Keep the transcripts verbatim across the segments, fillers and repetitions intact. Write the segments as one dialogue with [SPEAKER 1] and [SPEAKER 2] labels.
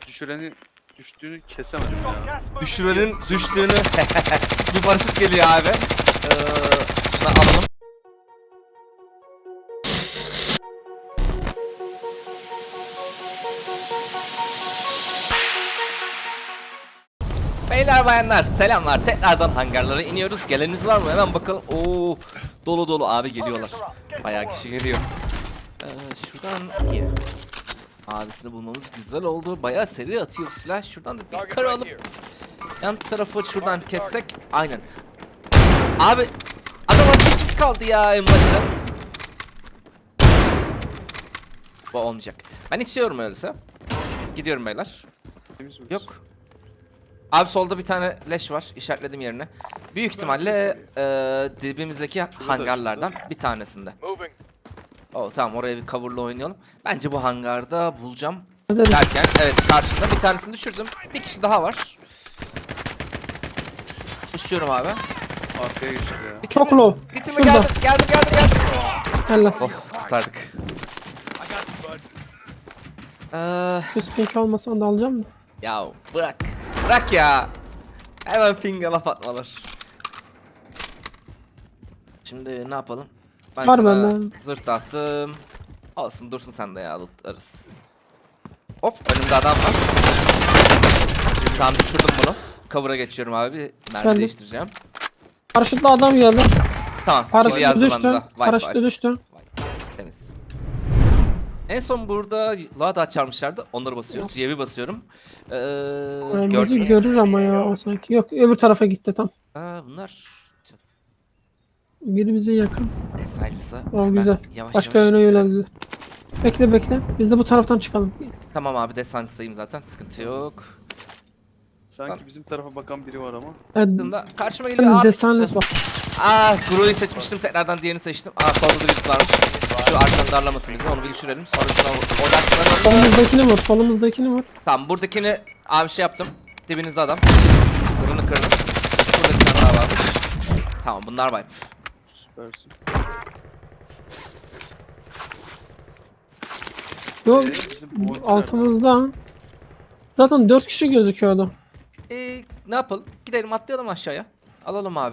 [SPEAKER 1] düşürenin düştüğünü kesemedim ya.
[SPEAKER 2] Düşürenin düştüğünü bir paraşüt geliyor abi. Ee, şunu alalım. Beyler bayanlar selamlar, tekrardan hangarlara iniyoruz. Geleniniz var mı? Hemen bakalım. Oo, dolu dolu abi geliyorlar. Bayağı kişi geliyor. Ee, şuradan iyi. Abisini bulmamız güzel oldu. Bayağı seri atıyor silah. Şuradan da bir kar alıp yan tarafı şuradan kessek. Aynen. Abi adam açıksız kaldı ya en başta. Bu olmayacak. Ben içiyorum öyleyse. Gidiyorum beyler. Yok. Abi solda bir tane leş var. İşaretledim yerine. Büyük ihtimalle e, dibimizdeki hangarlardan bir tanesinde. Oh, tamam, oraya bir cover'la oynayalım. Bence bu hangarda bulacağım. Derken evet, karşımda bir tanesini düşürdüm. Bir kişi daha var. Düşüyorum abi.
[SPEAKER 1] Arkaya geçti ya.
[SPEAKER 3] Çok low.
[SPEAKER 2] Bitti mi?
[SPEAKER 3] Şurada.
[SPEAKER 2] Geldim geldim geldim geldim.
[SPEAKER 3] Allah.
[SPEAKER 2] Oh, kurtardık. Ee,
[SPEAKER 3] Şu pink olmasa onu da alacağım mı?
[SPEAKER 2] ya bırak. Bırak ya. Hemen pinge laf atmalar. Şimdi ne yapalım? Ben
[SPEAKER 3] Var
[SPEAKER 2] sana
[SPEAKER 3] bende.
[SPEAKER 2] zırt attım. Olsun, dursun sen de ya, alırız. Hop, önümde adam var. Tamam, düşürdüm bunu. Cover'a geçiyorum abi. Mermi
[SPEAKER 3] Geldim.
[SPEAKER 2] değiştireceğim.
[SPEAKER 3] Paraşütle adam geldi.
[SPEAKER 2] Tamam.
[SPEAKER 3] Paraşütle
[SPEAKER 2] yazdım
[SPEAKER 3] düştü.
[SPEAKER 2] anda. Vay,
[SPEAKER 3] Paraşütle
[SPEAKER 2] vay.
[SPEAKER 3] düştü.
[SPEAKER 2] Temiz. En son burada Lada çarmışlardı. Onları basıyoruz. Y'yi basıyorum. Ee,
[SPEAKER 3] Yani bizi
[SPEAKER 2] gördünüz.
[SPEAKER 3] görür ama ya o sanki. Yok, öbür tarafa gitti tam.
[SPEAKER 2] Aa, bunlar
[SPEAKER 3] Biri bize yakın.
[SPEAKER 2] Desaylısı.
[SPEAKER 3] O güzel.
[SPEAKER 2] Yavaş
[SPEAKER 3] Başka
[SPEAKER 2] yavaş
[SPEAKER 3] yöne
[SPEAKER 2] gittirelim.
[SPEAKER 3] yöneldi. Bekle bekle. Biz de bu taraftan çıkalım.
[SPEAKER 2] Tamam abi, desancısıyım zaten. Sıkıntı yok.
[SPEAKER 1] Sanki bizim tarafa bakan biri var ama.
[SPEAKER 3] Evet.
[SPEAKER 2] Şimdi karşıma geliyor
[SPEAKER 3] Ben
[SPEAKER 2] abi.
[SPEAKER 3] desanles bak.
[SPEAKER 2] Aa, Gro'yu seçmiştim. Tekrardan diğerini seçtim. Aa, solda da birisi varmış. Şu arkadan darlamasın bizi. Onu bir düşürelim. Sonra şuna odaklanalım.
[SPEAKER 3] Solumuzdakini vur. Solumuzdakini vur.
[SPEAKER 2] Tamam, buradakini abi şey yaptım. Dibinizde adam. Kırını kırdım. Burada bir tane daha varmış. Tamam, bunlar var.
[SPEAKER 1] Süpersin.
[SPEAKER 3] Yok.
[SPEAKER 1] Ee, bizim point
[SPEAKER 3] Altımızda. Zaten dört kişi gözüküyordu.
[SPEAKER 2] Ee, ne yapalım? Gidelim, atlayalım aşağıya. Alalım abi.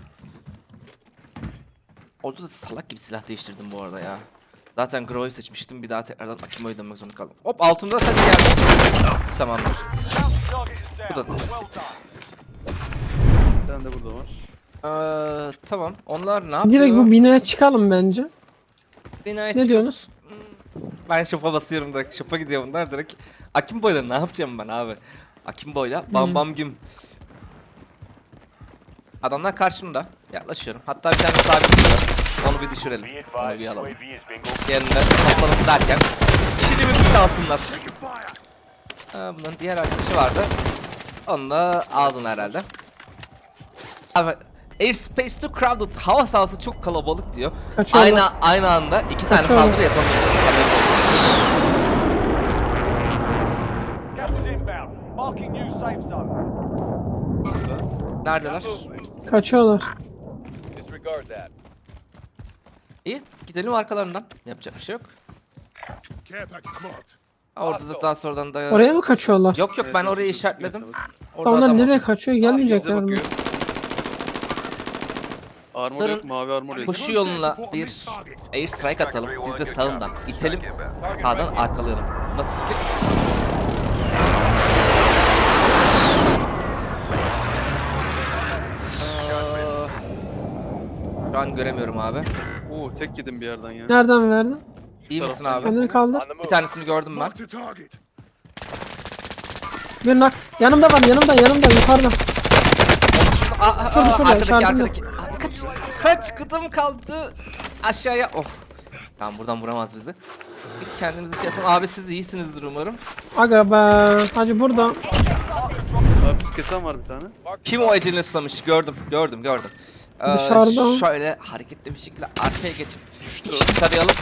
[SPEAKER 2] Orada da salak gibi silah değiştirdim bu arada ya. Zaten Gro'yu seçmiştim. Bir daha tekrardan Akimo'yu dönmek zorunda kaldım. Hop, altımda sen geldi. Tamamdır. Bu da.
[SPEAKER 1] Bir tane de burada var.
[SPEAKER 2] Ee, tamam. Onlar ne yapıyor?
[SPEAKER 3] Direkt bu binaya çıkalım bence.
[SPEAKER 2] Binaya
[SPEAKER 3] Ne
[SPEAKER 2] çıkıp-
[SPEAKER 3] diyorsunuz?
[SPEAKER 2] Ben şopa basıyorum da şopa gidiyor bunlar direkt. Akimbo'yla ne yapacağım ben abi? Akimbo'yla bam
[SPEAKER 3] Hmm.
[SPEAKER 2] bam güm. Adamlar karşımda. Yaklaşıyorum. Hatta bir tane sabit duruyor. Onu bir düşürelim. Onu bir alalım. Diğerinde toplanıp derken kilimi bir çalsınlar. Ha, bunların diğer arkadaşı vardı. Onu da aldın herhalde. Abi, airspace too crowded. Hava sahası çok kalabalık diyor.
[SPEAKER 3] Kaçıyorlar.
[SPEAKER 2] Aynı aynı anda iki tane
[SPEAKER 3] Kaçıyorlar.
[SPEAKER 2] saldırı yapamıyoruz.
[SPEAKER 4] Gas is inbound. Marking new safe zone.
[SPEAKER 2] Neredeler?
[SPEAKER 3] Kaçıyorlar.
[SPEAKER 4] Disregard that.
[SPEAKER 2] İyi, gidelim arkalarından. Yapacak bir şey yok.
[SPEAKER 5] Care package marked.
[SPEAKER 2] Ha, orada da daha sonradan da...
[SPEAKER 3] Oraya mı kaçıyorlar?
[SPEAKER 2] Yok yok, ben
[SPEAKER 1] Evet,
[SPEAKER 2] orayı
[SPEAKER 1] evet,
[SPEAKER 2] işaretledim.
[SPEAKER 1] evet.
[SPEAKER 2] Orada
[SPEAKER 3] Onlar
[SPEAKER 2] adam
[SPEAKER 3] nereye
[SPEAKER 2] olacak.
[SPEAKER 3] kaçıyor?
[SPEAKER 1] Bize
[SPEAKER 3] Gelmeyecekler mi?
[SPEAKER 1] bakıyor. Armor yok, mavi armor yok.
[SPEAKER 2] Koşu yoluna bir airstrike atalım. Biz de sağından itelim. Sağdan arkalayalım. Nasıl fikir? Aa, Şu an göremiyorum abi.
[SPEAKER 1] Oo, tek yedim bir yerden ya.
[SPEAKER 3] Nereden verdin?
[SPEAKER 2] İyi misin
[SPEAKER 1] taraftan
[SPEAKER 2] abi?
[SPEAKER 3] Kendini kaldır.
[SPEAKER 2] Bir tanesini gördüm ben.
[SPEAKER 5] Marked a target.
[SPEAKER 3] Bir nak. Yanımda var, yanımda, yanımda, yukarıda.
[SPEAKER 2] Aa, aa,
[SPEAKER 3] Şurada,
[SPEAKER 2] aa,
[SPEAKER 3] şurada,
[SPEAKER 2] arkadaki
[SPEAKER 3] işaretimde.
[SPEAKER 2] arkadaki. Abi kaç kaç kıdım kaldı aşağıya. Oh. Tamam, buradan vuramaz bizi. Bir kendimizi şey yapalım. Abi siz iyisinizdir umarım.
[SPEAKER 3] Aga be. Hacı burada.
[SPEAKER 1] Abi biz kesen var bir tane.
[SPEAKER 2] Kim o ecelini susamış? Gördüm, gördüm, gördüm. Ee,
[SPEAKER 3] Dışarıda.
[SPEAKER 2] Şöyle hareketli bir şekilde arkaya geçip iki tarayalım.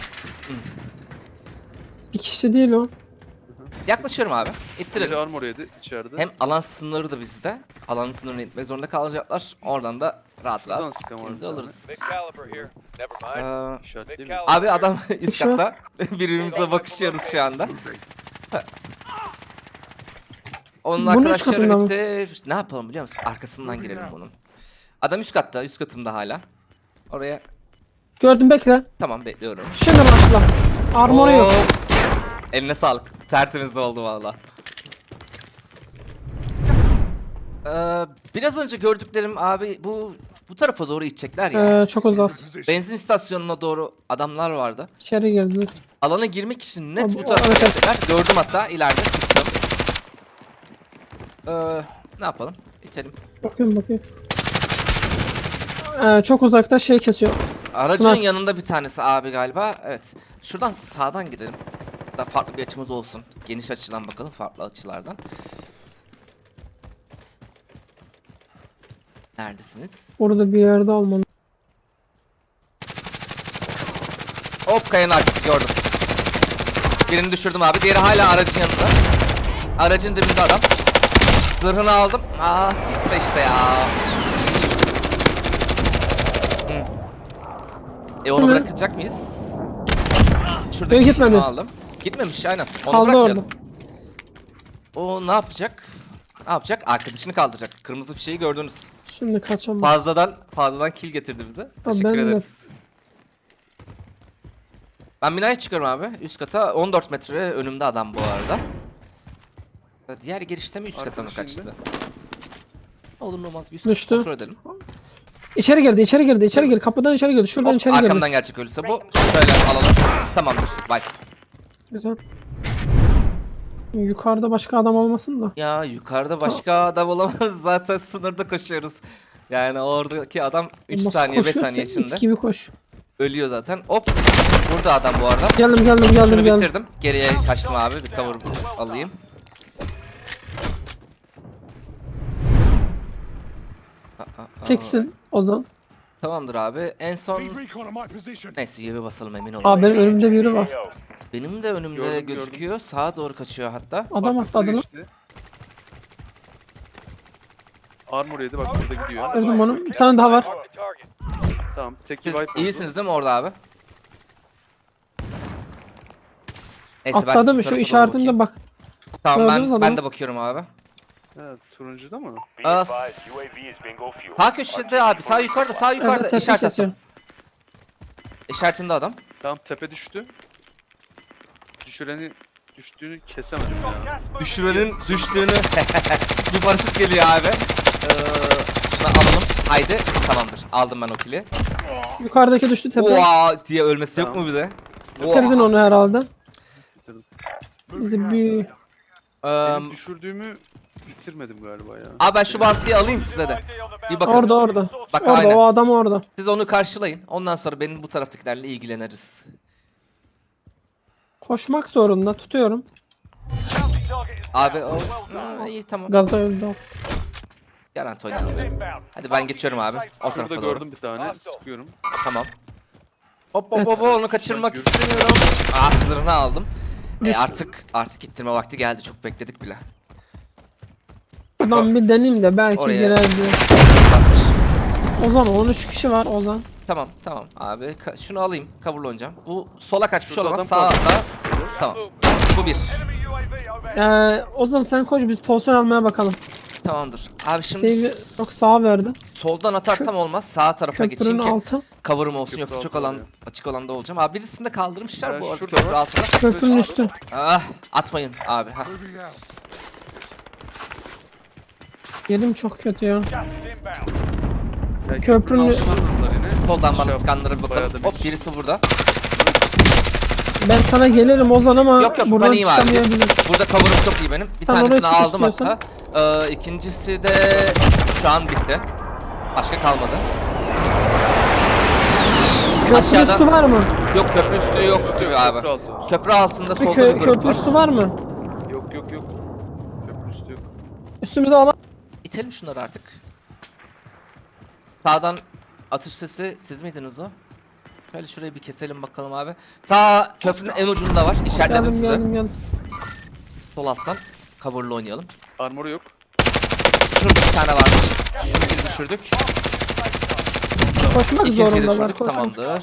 [SPEAKER 3] Bir kişi değil o.
[SPEAKER 2] Yaklaşıyorum abi.
[SPEAKER 1] Biri
[SPEAKER 2] İttirelim.
[SPEAKER 1] armor yedi içeride.
[SPEAKER 2] Hem alan sınırı da bizde. Alan sınırını itmek zorunda kalacaklar. Oradan da rahat
[SPEAKER 1] Şuradan
[SPEAKER 2] rahat
[SPEAKER 1] sıkan var
[SPEAKER 2] kendimizi
[SPEAKER 1] bir tane.
[SPEAKER 2] alırız.
[SPEAKER 4] Big caliber here. Never mind.
[SPEAKER 2] Ee,
[SPEAKER 1] İşaretleyeyim mi?
[SPEAKER 2] abi adam üst
[SPEAKER 3] Şu an-
[SPEAKER 2] katta. Birbirimize bakışıyoruz şu anda. Onun
[SPEAKER 3] Bunun üst
[SPEAKER 2] arkadaşları
[SPEAKER 3] katında mı?
[SPEAKER 2] bitti. Ne yapalım biliyor musun? Arkasından girelim bunun. Adam üst katta, üst katımda hala. Oraya
[SPEAKER 3] Gördüm, bekle.
[SPEAKER 2] tamam bekliyorum.
[SPEAKER 3] Şimdi başla. Armoru yok.
[SPEAKER 2] Oo. Eline sağlık. Tertemiz oldu valla. Ee, biraz önce gördüklerim abi bu bu tarafa doğru gidecekler ya.
[SPEAKER 3] Ee, çok uzak.
[SPEAKER 5] Position.
[SPEAKER 2] Benzin istasyonuna doğru adamlar vardı.
[SPEAKER 3] İçeri girdiler.
[SPEAKER 2] Alana girmek için net
[SPEAKER 3] Abi,
[SPEAKER 2] bu tarafa
[SPEAKER 3] evet, evet.
[SPEAKER 2] gidecekler. Gördüm hatta ileride çıktım. Ee, ne yapalım? İtelim.
[SPEAKER 3] Bakıyorum bakıyorum. Ee, çok uzakta şey kesiyor.
[SPEAKER 2] Aracın
[SPEAKER 3] Sınav.
[SPEAKER 2] yanında bir tanesi abi galiba. Evet. Şuradan sağdan gidelim. Daha farklı bir açımız olsun. Geniş açıdan bakalım, farklı açılardan. Neredesiniz?
[SPEAKER 3] Orada bir yerde olmalı.
[SPEAKER 2] Hop, kayanın arkası gördüm. Birini düşürdüm abi. Diğeri hala aracın yanında. Aracın dibinde adam. Zırhını aldım. Aa, gitme işte ya. Hı. E onu
[SPEAKER 3] Hı.
[SPEAKER 2] bırakacak mıyız? Şuradaki
[SPEAKER 3] Yok, gitmedi.
[SPEAKER 2] şunu aldım. Gitmemiş aynen. Onu
[SPEAKER 3] Kaldı
[SPEAKER 2] bırakmayalım.
[SPEAKER 3] orada.
[SPEAKER 2] O ne yapacak? Ne yapacak? Arkadaşını kaldıracak. Kırmızı fişeği gördünüz.
[SPEAKER 3] Şimdi kaçamam.
[SPEAKER 2] Fazladan fazladan kill getirdi bize. Teşekkür
[SPEAKER 3] ben de-
[SPEAKER 2] ederiz. Ben binaya çıkıyorum abi. Üst kata on dört metre önümde adam bu arada. Diğer girişte mi üst kata mı
[SPEAKER 1] Arkadaşın
[SPEAKER 2] kaçtı? Olur mu olmaz bir üst
[SPEAKER 3] Düştü.
[SPEAKER 2] kata kontrol edelim.
[SPEAKER 3] İçeri girdi, içeri girdi, içeri girdi. Kapıdan içeri girdi. Şuradan
[SPEAKER 2] Hop,
[SPEAKER 3] içeri girdi.
[SPEAKER 2] arkamdan gerçek ölürse bu. Şöyle alalım. Tamamdır. Bye.
[SPEAKER 3] Güzel. Yukarıda başka adam olmasın da.
[SPEAKER 2] Ya yukarıda başka adam olamaz. Zaten sınırda koşuyoruz. Yani oradaki adam üç
[SPEAKER 3] Nasıl
[SPEAKER 2] saniye beş
[SPEAKER 3] koşuyorsa
[SPEAKER 2] saniye
[SPEAKER 3] it
[SPEAKER 2] içinde.
[SPEAKER 3] gibi koş.
[SPEAKER 2] Ölüyor zaten. Hop. Burada adam bu arada.
[SPEAKER 3] Geldim geldim geldim
[SPEAKER 2] Şunu
[SPEAKER 3] geldim.
[SPEAKER 2] bitirdim. Geriye kaçtım abi. Bir cover alayım. Aa, aa, aa.
[SPEAKER 3] Çeksin Ozan.
[SPEAKER 2] Tamamdır abi. En son
[SPEAKER 5] Need recon on my position.
[SPEAKER 2] neyse yere basalım emin olun.
[SPEAKER 3] Aa, benim önümde biri var.
[SPEAKER 2] Benim de önümde
[SPEAKER 1] Gördüm, gördüm.
[SPEAKER 2] gözüküyor. Sağa doğru kaçıyor hatta.
[SPEAKER 3] Adam atladı lan.
[SPEAKER 1] Geçti. Armor yedi bak burada gidiyor.
[SPEAKER 3] Gördüm onu. Bir tane daha var.
[SPEAKER 1] Tamam tek
[SPEAKER 2] Siz
[SPEAKER 1] wipe oldu.
[SPEAKER 2] iyisiniz değil mi orada abi? Neyse, ben
[SPEAKER 3] Atladı
[SPEAKER 2] sizin
[SPEAKER 3] mı? Şu
[SPEAKER 2] tarafa doğru
[SPEAKER 3] işaretinde
[SPEAKER 2] bakayım.
[SPEAKER 3] bak.
[SPEAKER 2] Tamam
[SPEAKER 3] Gördünüz
[SPEAKER 2] ben,
[SPEAKER 3] adamı.
[SPEAKER 2] ben de bakıyorum abi.
[SPEAKER 1] Evet turuncuda mı?
[SPEAKER 2] Aa, sağ köşede abi, sağ yukarıda, sağ yukarıda
[SPEAKER 3] Evet, tepe
[SPEAKER 2] işaret
[SPEAKER 3] kesiyor.
[SPEAKER 2] attım. İşaretimde adam.
[SPEAKER 1] Tamam tepe düştü. Düşüreni düştüğünü kesemedim ya.
[SPEAKER 2] Düşürenin düştüğünü bir paraşüt geliyor abi. Ee, şunu alalım. Haydi tamamdır. Aldım ben o kili.
[SPEAKER 3] Yukarıdaki düştü tepe.
[SPEAKER 2] Oha diye ölmesi yok
[SPEAKER 1] Tamam.
[SPEAKER 2] mu bize?
[SPEAKER 3] Bitirdin onu herhalde.
[SPEAKER 1] Bitirdim.
[SPEAKER 3] Bizi bir...
[SPEAKER 2] Ee,
[SPEAKER 1] Benim düşürdüğümü bitirmedim galiba ya.
[SPEAKER 2] abi ben şu bantıyı alayım size de. Bir bakın.
[SPEAKER 3] Orada orada.
[SPEAKER 2] Bak
[SPEAKER 3] Orada
[SPEAKER 2] aynen.
[SPEAKER 3] o adam orada.
[SPEAKER 2] Siz onu karşılayın. Ondan sonra benim bu taraftakilerle ilgileniriz.
[SPEAKER 3] Koşmak zorunda. Tutuyorum.
[SPEAKER 2] Abi o... Ha, iyi tamam.
[SPEAKER 3] Gazda öldü o.
[SPEAKER 2] Garanti oynayalım. Hadi ben geçiyorum abi. O
[SPEAKER 1] Şurada
[SPEAKER 2] tarafa doğru.
[SPEAKER 1] gördüm bir tane. Sıkıyorum.
[SPEAKER 2] Tamam. Hop hop
[SPEAKER 3] Evet.
[SPEAKER 2] hop onu kaçırmak
[SPEAKER 1] Ben
[SPEAKER 2] istemiyorum. Ah, zırhını aldım. E,
[SPEAKER 3] Düş-
[SPEAKER 2] artık artık gittirme vakti geldi. Çok bekledik bile.
[SPEAKER 3] Buradan bir deneyim de belki
[SPEAKER 2] Oraya.
[SPEAKER 3] girer diye.
[SPEAKER 2] Bakmış.
[SPEAKER 3] Ozan on üç kişi var Ozan.
[SPEAKER 2] Tamam tamam abi. Ka- şunu alayım. Cover'lı oynayacağım. Bu sola kaçmış
[SPEAKER 1] Şurada
[SPEAKER 2] olamaz.
[SPEAKER 1] adam
[SPEAKER 2] Sağda. Tamam. Bu bir.
[SPEAKER 3] Ee, Ozan sen koş biz pozisyon almaya bakalım.
[SPEAKER 2] Tamamdır. Abi şimdi
[SPEAKER 3] Save'i çok sağa verdi.
[SPEAKER 2] soldan atarsam olmaz. Sağ tarafa geçeyim
[SPEAKER 3] Köprünün
[SPEAKER 2] ki
[SPEAKER 3] altı.
[SPEAKER 2] cover'ım olsun,
[SPEAKER 1] Köprü
[SPEAKER 2] yoksa çok
[SPEAKER 1] altı
[SPEAKER 2] alan
[SPEAKER 1] oluyor.
[SPEAKER 2] açık alanda olacağım. Abi birisini de kaldırmışlar
[SPEAKER 1] Ben
[SPEAKER 2] bu arada
[SPEAKER 1] şurada
[SPEAKER 2] köprü
[SPEAKER 1] var.
[SPEAKER 2] altına.
[SPEAKER 3] Köprünün üstü.
[SPEAKER 2] Ah, atmayın abi. Ha.
[SPEAKER 5] Moving out.
[SPEAKER 3] Yerim çok kötü ya.
[SPEAKER 1] Ya,
[SPEAKER 3] Köprünün-
[SPEAKER 1] köprünün altına aldılar yine.
[SPEAKER 2] Soldan
[SPEAKER 1] Şey
[SPEAKER 2] bana
[SPEAKER 1] yap-
[SPEAKER 2] skanlara bir
[SPEAKER 1] bayağı
[SPEAKER 2] bakalım.
[SPEAKER 1] da
[SPEAKER 2] Hop, birisi burada.
[SPEAKER 3] Ben sana gelirim Ozan ama
[SPEAKER 2] Yok yok,
[SPEAKER 3] buradan
[SPEAKER 2] ben iyiyim abi.
[SPEAKER 3] çıkamayabilirim.
[SPEAKER 2] Burada cover'ım çok iyi benim. Bir
[SPEAKER 3] Tamam,
[SPEAKER 2] tanesini
[SPEAKER 3] orayı tut
[SPEAKER 2] aldım
[SPEAKER 3] istiyorsan.
[SPEAKER 2] hatta. Ee, ikincisi de şu an bitti. Başka kalmadı.
[SPEAKER 3] Köprü
[SPEAKER 2] Aşağıda-
[SPEAKER 3] üstü var mı?
[SPEAKER 2] Yok, köprü üstü yok tutuyor abi.
[SPEAKER 1] Köprü altı var.
[SPEAKER 2] Köprü altında
[SPEAKER 3] Bir
[SPEAKER 2] solda
[SPEAKER 3] kö-
[SPEAKER 2] bir grup
[SPEAKER 3] köprü
[SPEAKER 2] var.
[SPEAKER 3] üstü var mı?
[SPEAKER 1] Yok yok yok. Köprü üstü yok.
[SPEAKER 3] Üstümüze alan.
[SPEAKER 2] İtelim şunları artık. Sağdan atış sesi siz miydiniz o? Şöyle şurayı bir keselim bakalım abi. Ta köprünün en ucunda var. İşaretledim
[SPEAKER 3] Geldim
[SPEAKER 2] size.
[SPEAKER 3] geldim geldim.
[SPEAKER 2] Sol alttan cover'lı oynayalım.
[SPEAKER 1] Armoru yok.
[SPEAKER 2] Şurada bir tane varmış. Şunu bir düşürdük.
[SPEAKER 3] Koşmak
[SPEAKER 2] İkinciyi de
[SPEAKER 3] zorundalar.
[SPEAKER 2] düşürdük.
[SPEAKER 3] Koşmak.
[SPEAKER 2] Tamamdır.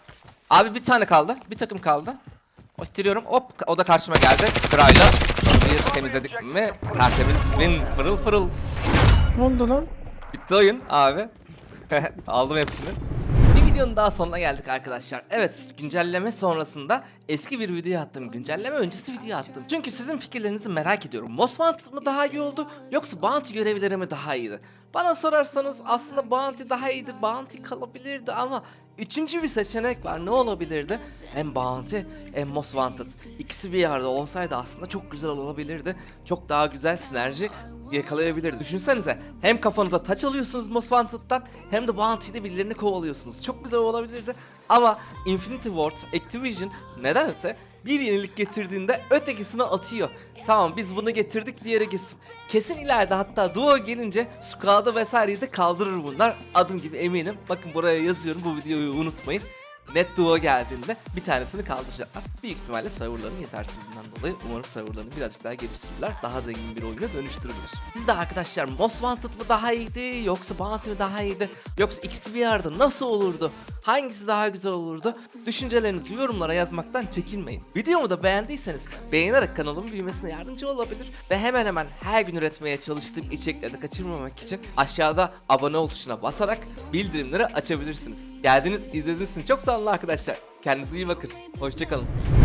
[SPEAKER 2] Abi bir tane kaldı. Bir takım kaldı. O ittiriyorum. Hop, o da karşıma geldi. Kırayla. Şunu Burayı temizledik mi? Tertemiz, win, fırıl fırıl.
[SPEAKER 3] Ne oldu lan?
[SPEAKER 2] Bitti oyun abi. Aldım hepsini. Bir videonun daha sonuna geldik arkadaşlar. Evet, güncelleme sonrasında eski bir video attım. Güncelleme öncesi video attım. Çünkü sizin fikirlerinizi merak ediyorum. Most Wanted mı daha iyi oldu yoksa Bounty görevleri mi daha iyiydi? Bana sorarsanız aslında Bounty daha iyiydi. Bounty kalabilirdi ama üçüncü bir seçenek var. Ne olabilirdi? Hem Bounty hem Most Wanted. İkisi bir yerde olsaydı aslında çok güzel olabilirdi. Çok daha güzel sinerji yakalayabilirdi. Düşünsenize, hem kafanıza taç alıyorsunuz Most Wanted'dan hem de Bounty'de birilerini kovalıyorsunuz. Çok güzel olabilirdi ama Infinity Ward, Activision nedense bir yenilik getirdiğinde ötekisini atıyor. Tamam, biz bunu getirdik, diğeri gitsin. Kesin ileride hatta Duo gelince Squad'ı vesaireyi de kaldırır bunlar. Adım gibi eminim. Bakın buraya yazıyorum, bu videoyu unutmayın. Net Duo geldiğinde bir tanesini kaldıracaklar. Büyük ihtimalle serverların yetersizliğinden dolayı umarım serverlarını birazcık daha geliştirirler. Daha zengin bir oyuna dönüştürürler. Siz de arkadaşlar Most Wanted mı daha iyiydi yoksa Bounty mi daha iyiydi? Yoksa ikisi bir yerde nasıl olurdu? Hangisi daha güzel olurdu? Düşüncelerinizi yorumlara yazmaktan çekinmeyin. Videomu da beğendiyseniz beğenerek kanalımın büyümesine yardımcı olabilir. Ve hemen hemen her gün üretmeye çalıştığım içerikleri de kaçırmamak için aşağıda abone ol tuşuna basarak bildirimleri açabilirsiniz. Geldiğiniz, izlediğiniz için çok sağ olun arkadaşlar. Kendinize iyi bakın. Hoşçakalın.